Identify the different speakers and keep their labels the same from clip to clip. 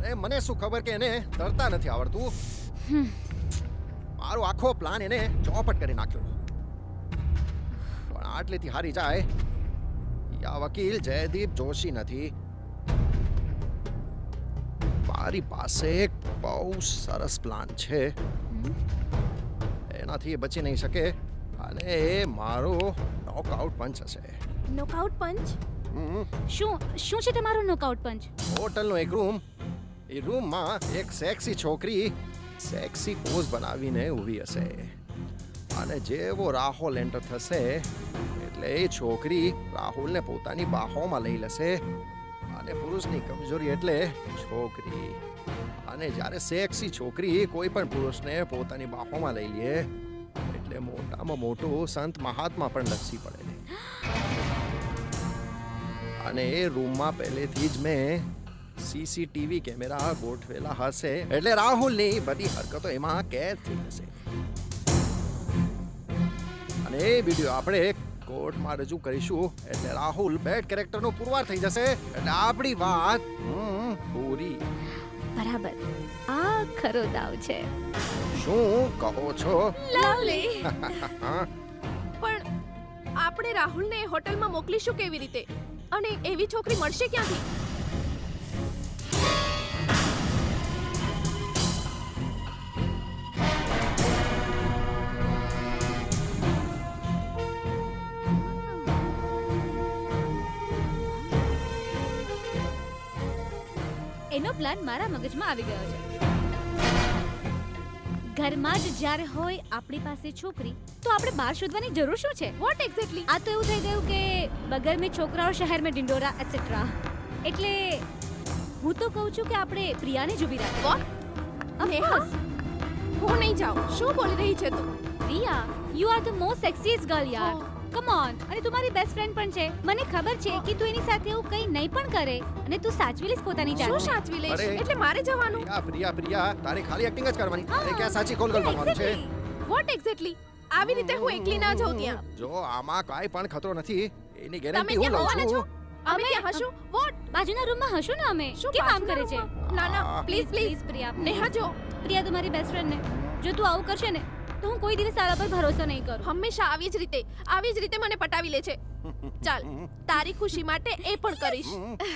Speaker 1: અરે મને શું ખબર કે એને તરતા નથી આવડતું. મારો આખો પ્લાન એને ચોપટ કરી નાખ્યો. પણ આટલેથી હારી જાય આ વકીલ જયદીપ જોશી નથી. મારી પાસે એક બહુ સરસ પ્લાન છે. એનાથી એ બચી નહીં શકે અને એ મારો નોકઆઉટ પંચ હશે.
Speaker 2: Knockout punch? શું છે તમારો નોકઆઉટ પંચ?
Speaker 1: હોટલનો એક રૂમ, એ રૂમમાં એક સેક્સી છોકરી સેક્સી પોઝ બનાવીને ઊભી હશે અને જેવો રાહુલ એન્ટર થશે એટલે એ છોકરી રાહુલને પોતાની બાહોમાં લઈ લેશે અને પુરુષની કમજોરી એટલે છોકરી. અને જ્યારે સેક્સી છોકરી કોઈ પણ પુરુષને પોતાની બાહોમાં લઈ લે એટલે મોટામાં મોટું સંત મહાત્મા પણ લસી પડે. અને એ રૂમમાં પહેલેથી જ મેં સીસીટીવી કેમેરા ગોઠવેલા હશે એટલે રાહુલની બધી હરકતો એમાં કેદ થઈ જશે અને એ વિડીયો આપણે કોર્ટમાં રજૂ કરીશું એટલે રાહુલ બેડ કેરેક્ટરનો પુરવાર થઈ જશે એટલે આપણી વાત પૂરી.
Speaker 2: બરાબર, આ ખરો દાવ છે.
Speaker 1: શું કહો છો?
Speaker 2: લવલી.
Speaker 3: પણ આપણે રાહુલને હોટલમાં મોકલીશું કેવી રીતે? અને એવી છોકરી મળશે ક્યાંથી?
Speaker 2: એનો પ્લાન મારા મગજમાં આવી ગયો છે. ઘરમાં જ જ્યારે હોય આપણી પાસે છોકરી તો આપણે બહાર શોધવાની જરૂર શું છે?
Speaker 3: What exactly?
Speaker 2: આ તો એવું થઈ ગયું કે બગર મેં છોકરાઓ શહેર મેં ડિંડોરા એટસેટ્રા. એટલે હું તો કહું છું કે આપણે પ્રિયાને જ ઊભી રાખીએ.
Speaker 3: વોટ? નેહા? હું નહીં જાઉં. શું બોલી રહી છે તું?
Speaker 2: Priya, you are the most sexiest girl યાર. Come on. અને તું મારી બેસ્ટ ફ્રેન્ડ પણ છે. મને ખબર છે કે તું એની સાથે એવું કંઈ નહીં પણ કરે અને તું સાચવી લઈશ પોતાની જાતને.
Speaker 3: શું સાચવી લઈશ?
Speaker 1: અરે.
Speaker 3: એટલે મારે જવાનું?
Speaker 1: પ્રિયા તારે ખાલી એક્ટિંગ જ કરવાની. તારે ક્યાં સાચી કોલ કરવાનું છે?
Speaker 3: What exactly? આવી રીતે હું એકલી ના જાઉં ત્યાં.
Speaker 1: જો આમાં કાંઈ પણ ખતરો નથી એની
Speaker 3: તમે
Speaker 1: ગેરંટી હું
Speaker 3: ક્યાં
Speaker 1: લઉં
Speaker 3: હોવાના છો?
Speaker 1: છું.
Speaker 3: અમે ત્યાં હશું? વોટ?
Speaker 2: બાજુના રૂમમાં હશું ને અમે.
Speaker 3: શું
Speaker 2: કેમ આમ કરે
Speaker 3: બાજુના
Speaker 2: છે?
Speaker 3: રૂમમાં? ના ના, પ્લીઝ પ્લીઝ.
Speaker 2: પ્રિયા.
Speaker 3: નેહા જો,
Speaker 2: પ્રિયા, તું મારી બેસ્ટ ફ્રેન્ડ ને જો તું આવું કરશે ને તો હું કોઈ દિવસ તારા પર ભરોસો નહીં કરું.
Speaker 3: હંમેશા આવી જ રીતે મને પટાવી લે છે. ચાલ, તારી ખુશી માટે એ પણ કરીશ.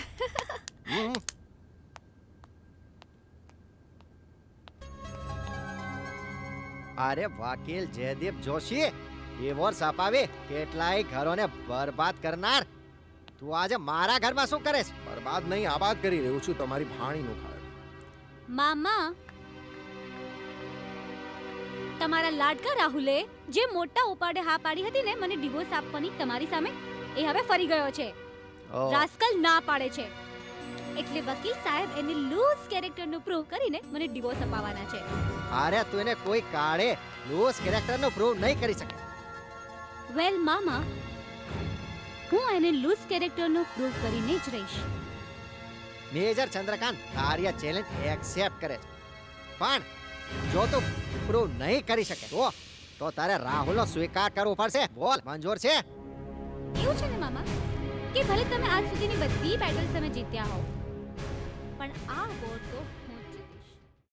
Speaker 4: અરે વકીલ જયદીપ જોશી, ડિવોર્સ અપાવી કેટલાય ઘરોને બરબાદ કરનાર તું આજે મારા ઘરમાં શું કરે છે?
Speaker 1: બરબાદ નહીં આબાદ કરી રહ્યો છું તમારી ભાણીનું ઘર.
Speaker 2: મામા, તમારા લાડકા રાહુલે જે મોટા ઉપાડે હા પાડી હતી ને મને ડિવોર્સ આપવાની તમારી સામે, એ હવે ફરી ગયો છે. રાસ્કલ ના પાડે છે એટલે વકીલ સાહેબ એને લૂઝ કેરેક્ટરનું પ્રૂવ કરીને મને ડિવોર્સ અપાવવાના છે.
Speaker 4: અરે તું એને કોઈ કાળે લૂઝ કેરેક્ટરનો પ્રૂવ નહીં કરી શકે.
Speaker 2: વેલ મામા, હું એને લૂઝ કેરેક્ટરનો પ્રૂવ કરીને જ રહીશ.
Speaker 4: મેજર ચંદ્રકાંત તારી આ ચેલેન્જ એક્સેપ્ટ કરે છે પણ જો તું પ્રૂવ નહીં કરી શકે તો તારે રાહુલનો સ્વીકાર કરવો પડશે. બોલ, મંજૂર છે?
Speaker 2: એવું છે ને મામા કે ભલે તમે આજ સુધીની બધી બેટલ્સ તમે જીત્યા હો પણ આ વોર તો